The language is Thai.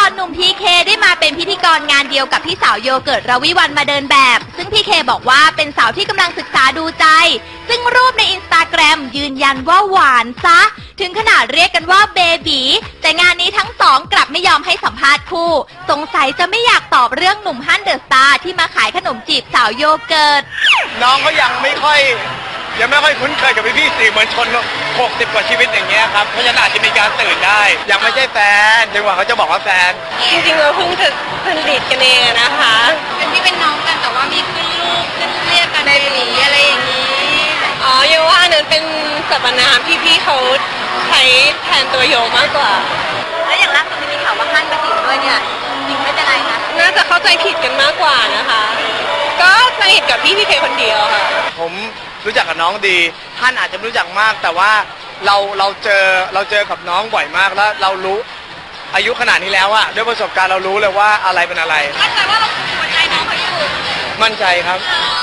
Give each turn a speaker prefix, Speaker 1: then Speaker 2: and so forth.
Speaker 1: อนหนุ่มพีเคได้มาเป็นพิธีกรงานเดียวกับพี่สาวโยเกิร์ต รวิวรรณมาเดินแบบซึ่งพีเคบอกว่าเป็นสาวที่กำลังศึกษาดูใจซึ่งรูปในอินสตาแกรมยืนยันว่าหวานซะถึงขนาดเรียกกันว่าเบบีแต่งานนี้ทั้งสองกลับไม่ยอมให้สัมภาษณ์คู่สงสัยจะไม่อยากตอบเรื่องหนุ่มฮั่นเดอะสตาร์ที่มาขายขนมจีบสาวโยเกิร์ต
Speaker 2: น้องก็ยังไม่ค่อยคุ้นเคยกับพี่สื่อมวลชน60 กว่าชีวิตอย่างเงี้ยครับเพราะฉะนั้นอาจจะมีการตื่นได้ยังไม่ใช่แฟนจนกว่าเขาจะบอกว่าแฟน
Speaker 3: จริงๆเราเพิ่งจะสนิทกันเองนะคะ
Speaker 1: เป็นพี่เป็นน้องกันแต่ว่ามีขึ้นรูปขึ้นเรียกกันในหลีอะไรอย่างนี้
Speaker 3: อ๋อโยว่าอันนั้นเป็นสรรพนามที่พี่เขาใช้แทนตัวโยมากกว่า
Speaker 1: แล้วอย่างล่าสุดที่มีข่าวว่าฮั่นมาจีบด้วยเนี่ยจริงไม่เป็นไรนะ
Speaker 3: น่าจะเข้าใจผิดกันมากกว่านะคะก็สนิทกับพี่เคคนเดียวค่ะ
Speaker 2: ผมรู้จักกับน้องดีท่านอาจจะไม่รู้จักมากแต่ว่าเราเจอกับน้องบ่อยมากแล้วเรารู้อายุขนาดนี้แล้วอะด้วยประสบการณ์เรารู้เลยว่าอะไรเป็นอะไร
Speaker 1: มั่นใจว่าเราหัวใจน้องเขาอยู่
Speaker 2: มั่นใจครับ